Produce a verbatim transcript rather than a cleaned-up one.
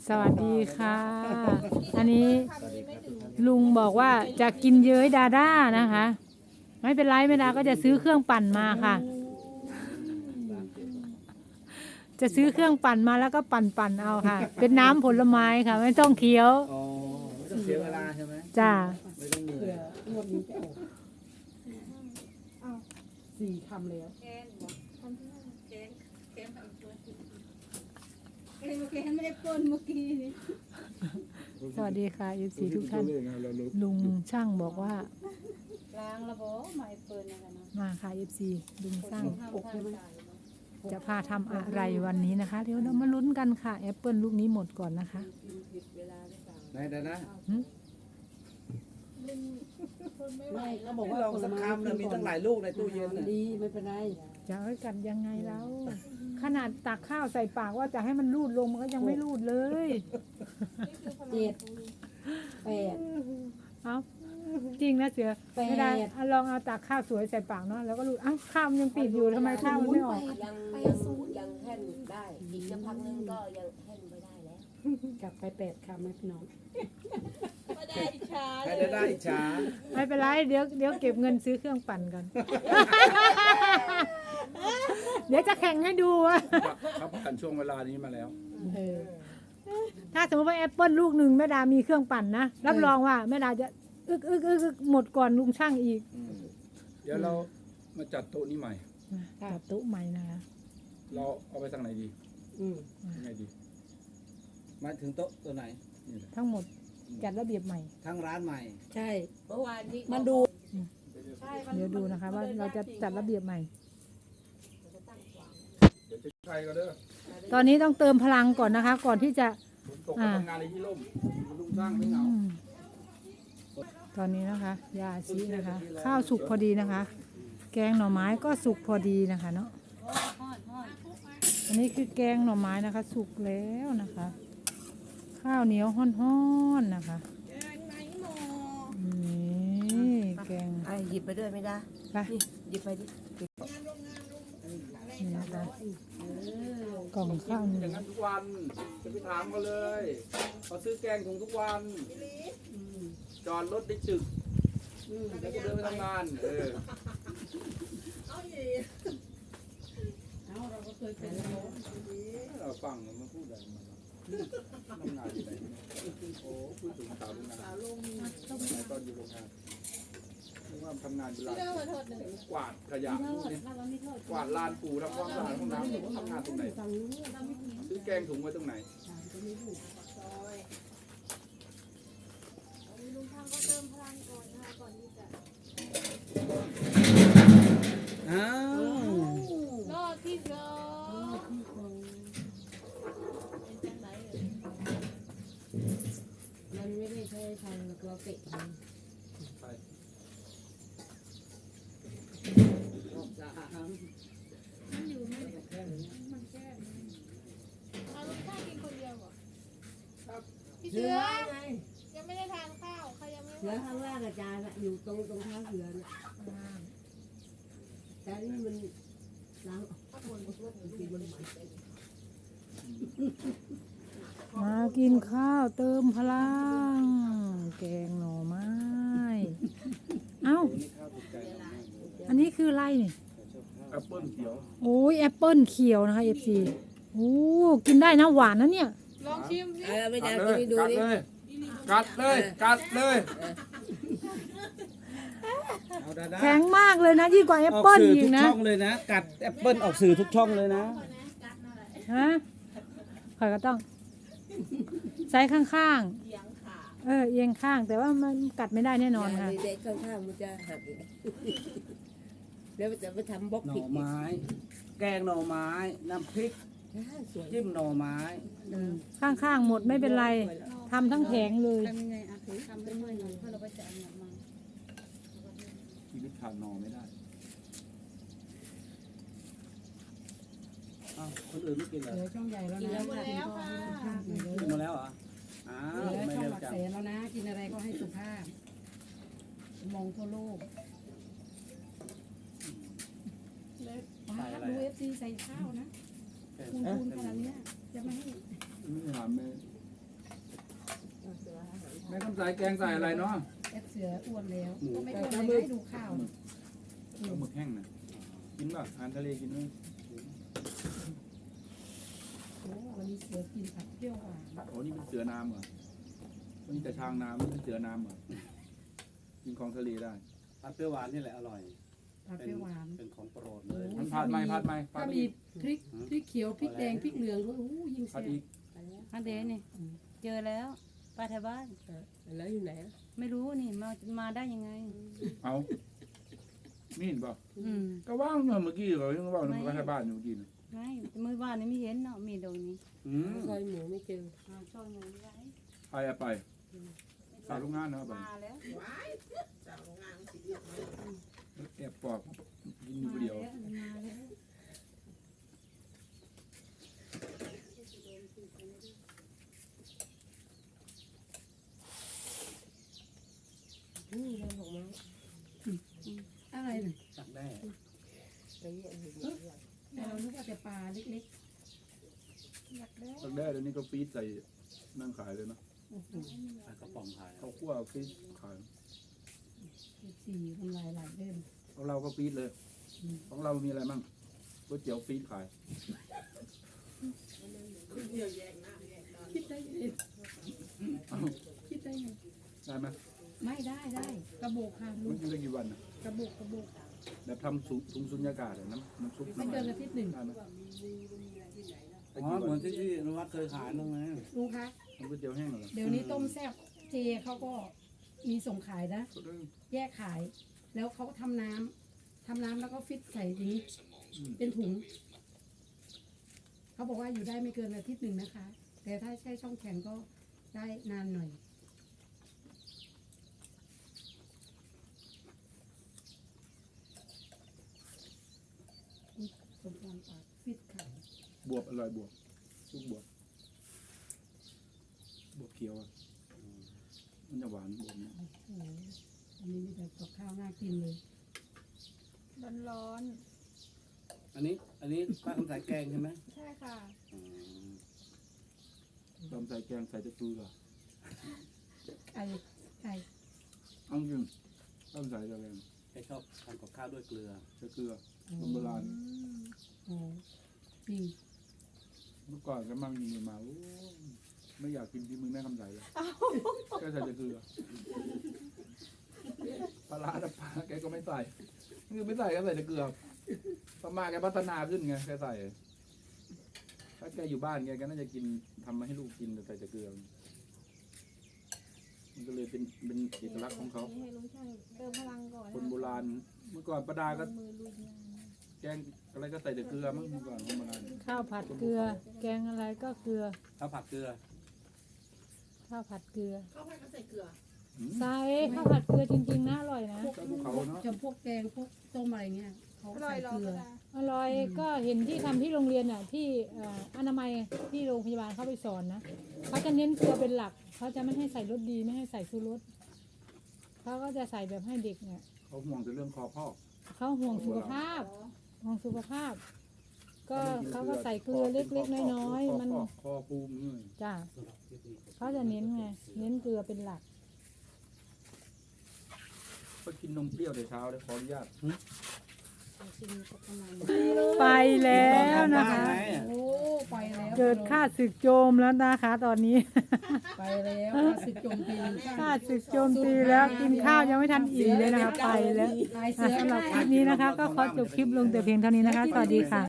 สวัสดีค่ะ อันนี้ลุงบอกว่าจะกินเย้ยดาด้านะคะ ไม่เป็นไรไม่ดาก็จะซื้อเครื่องปั่นมาค่ะ จะซื้อเครื่องปั่นมาแล้วก็ปั่นปั่นเอาค่ะ เป็นน้ำผลไม้ค่ะ ไม่ต้องเคี้ยวอ๋อไม่ต้องเสียเวลาใช่ไหมจ้าไม่ต้องเหนื่อยงวดนี้จะออกอ้าวสี่คำแล้วแกนบอกแกนแกนไปตัวแกนแกนไม่ได้ปนเมื่อกี้นี่สวัสดีค่ะยูซีทุกท่าน ลุงช่างบอกว่าล้างระบบไม่เปิดนะคะนะมาค่ะยูซีลุงช่างห้ามพลาดใจเนาะจะพาทำอะไรวันนี้นะคะ เดี๋ยวเรามาลุ้นกันค่ะแอปเปิลลูกนี้หมดก่อนนะคะผิดเวลาหรือเปล่าไหนเดี๋ยวนะไม่เขาบอกไม่ว่าลองสักคำนะมีตั้งหลายลูกในตู้เย็นน่ะดีไม่เป็นไรจะเอากัดยังไงแล้ว ขนาดตักข้าวใส่ปากว่าจะให้มันรูดลงมันก็ยังไม่รูดเลยเจ็ดแปดเอาจริงนะเสือแปดไม่ได้เอาลองเอาตักข้าวสวยใส่ปากเนาะแล้วก็รูดอ้าวข้าวมันยังปิดอยู่ทำไมข้าวมันไม่ออกยังยังยังแห่นได้ อีกสักพักนึงก็ยังแห่นไม่ได้แล้วกลับไปแปดคำไหมพี่น้องไม่ได้ช้าให้ได้ได้อิจฉาไม่เป็นไรเดี๋ยวเดี๋ยวเก็บเงินซื้อเครื่องปั่นก่อน เดี๋ยวจะแข่งให้ดูว่าเขาผ่านช่วงเวลานี้มาแล้วเออถ้าสมมติว่าแอปเปิลลูกหนึ่งแม่ดามีเครื่องปั่นนะรับรองว่าแม่ดาจะอึกอึกอึกอึกหมดก่อนลุงช่างอีกเดี๋ยวเรามาจัดโต๊ะนี้ใหม่ตัดตู้ใหม่นะคะเราเอาไปทางไหนดีอืมยังไงดีมาถึงโต๊ะตัวไหนนี่แหละทั้งหมดจัดระเบียบใหม่ทั้งร้านใหม่ใช่เมื่อวานนี้มันดูใช่เดี๋ยวดูนะคะว่าเราจะจัดระเบียบใหม่เดี๋ยวจะใครก็เด้อตอนนี้ต้องเติมพลังก่อนนะคะ ก่อนที่จะฝนตกก็ทำงานในที่ร่มมันลุงสร้างไม่เหงาอืมตอนนี้นะคะ ยาชีนะคะ ข้าวสุกพอดีนะคะ แกงหน่อไม้ก็สุกพอดีนะคะเนาะฮอดฮอดอันนี้คือแกงหน่อไม้นะคะ สุกแล้วนะคะ ข้าวเหนียวห้อนๆนะคะนี่แกงไอ้หยิบไปด้วยไม่ได้ไปนี่หยิบไปดินี่นะคะกล่องข้าวเหนีอยวย่างนั้นทุกวันจะไปถามเขาเลยเขาซื้อแกงถุงทุกวันจอดรถได้จึกแล้วก็เดินไปทำงานเออเอาเราก็เคยเป็นแล้วเราฟังมันพูดอะไรมาทำงานอยู่ไหนโอ้พูดถึงสาวโรงงานสมัยตอนอยู่โรงงานนึกว่าทำงานอยู่ร้านกวาดขยะกวาดลานปูทำความสะอาดห้องน้ำทำงานตรงไหนซื้อแกงถุงไว้ตรงไหนลุงทางก็เติมพลังก่อนนะคะก่อนที่จะอ้าวรอบที่สองเป็นจังไหนเอ่ยมันไม่ได้ใช้ทางเราเตะมันไปรอบสามมันอยู่ไม่มันแค่เอาลูกชายกินคนเดียวเหรอพี่เสืเสืออไงยังไม่ได้ทานข้าวใครยังไม่เสือข้างล่างอาจารย์อยู่ตรงตรงเท้าเสือน่ะแต่นี่มันล้างออกกินมันใหม่มากินข้าวเติมพลัง แกงหน่อไม้ เอ้านี่ข้าวถูกใจเรามากเลยอันนี้คืออะไรนี่แอปเปิ้ลเขียวโอ้ยแอปเปิลเขียวนะคะเอฟซีโอ้กินได้นะหวานนะเนี่ยลองชิมสิเออไม่ได้กัดไปเลยดูกัดดิเลยกัดเลยกัดเลยเอาดาดาแข็งมากเลยนะยิ่งกว่าแอปเปิลสื่ออีทุกกนะช่องเลยนะ กัดแอปเปิลออกสื่อทุกช่องเลยนะฮะข่อยก็ต้องใช้ข้างๆเออเอียงข้างแต่ว่ามันกัดไม่ได้แน่นอนค่ะเด็กข้างๆมันจะหักอีกเดี๋ยวจะไปทำบล็อกหน่ผิอดไม้ แกงหน่อไม้ น้ำพริกสวยจิ้มหน่อไม้ข้างๆหมดไม่เป็นไรทำทั้งแผงเลยทำยังไงอ่ะถือทำไปเมื่อยหน่อยเพราะเราไปจะเอาหนักมาชีวิตขาดนอไม่ได้อ้าวคนอื่นไม่กินเหรอเสือช่องใหญ่แล้วนะหมดแล้วค่ะกินมาแล้วเหรอ อ้าวเสือไม่ช่องเร็วหลักจังแสนแล้วนะ กินอะไรก็ให้สุภาพ มองทั่วโลกว้าดูเอฟซีใส่ข้าวนะเออคูณคูณขนาดเนี้ยจะไม่ให้ไม่ถามแม่ม่คำสายแกงใส่อะไรเนาะแอดเสืออ้วนแล้วก็ไม่อ้วนเลยให้ดูข้าวเอาหมึกแห้งนะกินป่ะอาหารทะเลกินไหมโอ้วันนี้เสือกินผัดเปรี้ยวหวานโอ้นี่เป็นเสือน้ำเหรอนี่แต่ช้างน้ำนี่เป็นเสือน้ำเหรอกินของทะเลได้ผัดเปรี้ยวหวานนี่แหละอร่อยผัดเป็เปนรี้ยวหวานเป็นของโปรดเลยมันผัดไหมผัดไหมผัถ้าดมีอีกพริกพริกเขียวพริกแดงพริกเหลืองด้วยโอ้ยิ่งผัดแซ่อีบกอันเดนี่เจอแล้วป้าแถวบ้านแล้วอยู่ไหนไม่รู้นี่มามาได้ยังไงเอามีนป่ะอืมก็ว่างเมื่อกี้เขายังว่างในบ้านอยู่เมื่อกี้นะไม่เมื่อวานนี้ไม่เห็นเนาะมีตรงนี้อืมซอยหมูไม่เจออ่าช่วยหนูไว้ไปอะไปสาวโรงงานนะครับมาแล้วแอบปอกกินอยู่คนเดียวมาแล้วนี่เราบอกมาอะไรน่ะจักแด้ไปเยี่ยมแต่เรานึกว่าแต่ปลาเล็กสักแด้เดี๋ยวนี้ก็ฟีดใส่นั่งขายเลยนะๆโอ้โหปลากระป๋องขายเขาคั่วฟีดขายสี่ทำลายหลายเล่มของเราก็ฟีดเลย ของเรามีอะไรมั่งก๋วยเตี๋ยวฟีดขายคิดได้ยังไงเอ้าคิดได้ยังไงได้ไหมไม่ได้ได้กระโบกค่ะลูมันกอยู่ได้กี่วันนะกระโบกกระโบกแบบทำถุงถุงสุญญากาศอะน้ำน้ำซุปไม่เกินอาทิตย์หนึ่งได้ไหมอ๋อเหมือนที่ที่นวัดเคยขายนั่นไงลุงคะทำก๋วยเตี๋ยวแห้งเหรอเดี๋ยวนี้ต้มแซ่บเจเขาก็มีส่งขายนะ แยกขาย แล้วเขาก็ทำน้ำทำน้ำแล้วก็ฟิตใส่อย่างนี้เป็นถุง เขาบอกว่าอยู่ได้ไม่เกินอาทิตย์หนึ่งนะคะ แต่ถ้าใช้ช่องแข็งก็ได้นานหน่อยสมพรปากฟิตขายบวบอร่อยบวบซุปบวบ บวบเขียวอะมันจะหวานบวบเนี่ยโอ้โหอันนี้มีแต่กับข้าวน่ากินเลยร้อนอันนี้อันนี้ป้าคำสายแกงใช่ไหมๆใช่ค่ะอืมตำใส่แกงใส่ตะเกียบไก่ไก่เอาจริงตำใส่ตะแกงแกชอบทำกับข้าวด้วยเกลือใส่เกลือคนโบราณโอ้จริงเมื่อก่อนก็มั่งกินมาโอ้ไม่อยากกินที่มือแม่คำใสเลยแกใส่แต่เกลือปลาร้าแต่ปลาแกก็ไม่ใส่คือไม่ใส่ก็ใส่แต่เกลือต่อมาแกพัฒนาขึ้นไงแกใส่ถ้าแกอยู่บ้านแกก็น่าจะกินทำมาให้ลูกกินแต่ใส่แต่เกลือมันก็เลยเป็นเป็นเอกลักษณ์ของเขาให้ลุงช่างเติมพลังก่อนคนโบราณ เมื่อก่อนประดาก็มือลุยงานแกงอะไรก็ใส่แต่เกลือมั้งเมื่อก่อนคนโบราณข้าวผัดเกลือ แกงอะไรก็เกลือข้าวผัดเกลือข้าวผัดเกลืออืมใส่ข้าวผัดเกลือจริงๆนะอร่อยนะพวกเจ้าภูเขาเนาะจำพวกแกงพวกต้มอะไรเงี้ยเขาใส่เกลืออร่อยก็เห็นที่ทำที่โรงเรียนอ่ะที่เอ่ออนามัยที่โรงพยาบาลเขาไปสอนนะเขาจะเน้นเกลือเป็นหลักเขาจะไม่ให้ใส่รสดีไม่ให้ใส่ชูรสเขาก็จะใส่แบบให้เด็กเนี่ยเขาห่วงแต่เรื่องคอพอกเขาห่วงสุขภาพห่วงสุขภาพ ก็เขาก็ใส่เกลือเล็กๆน้อยๆมันคอปูมนี่จ้าเขาจะเน้นไงเน้นเกลือเป็นหลักก็กินนมเปรี้ยวแต่เช้าเลยขออนุญาตไปแล้วนะคะโอ้ไปแล้วเกิดค่าศึกโจมแล้วนะคะตอนนี้ไปแล้วสึกโจมตีค่าศึกโจมตีแล้วกินข้าวยังไม่ทันอิ่มเลยนะคะไปแล้วตายเสือสำหรับคลิปนี้นะคะ ก็ขอจบคลิปลงแต่เพียงเท่านี้นะคะ สวัสดีค่ะ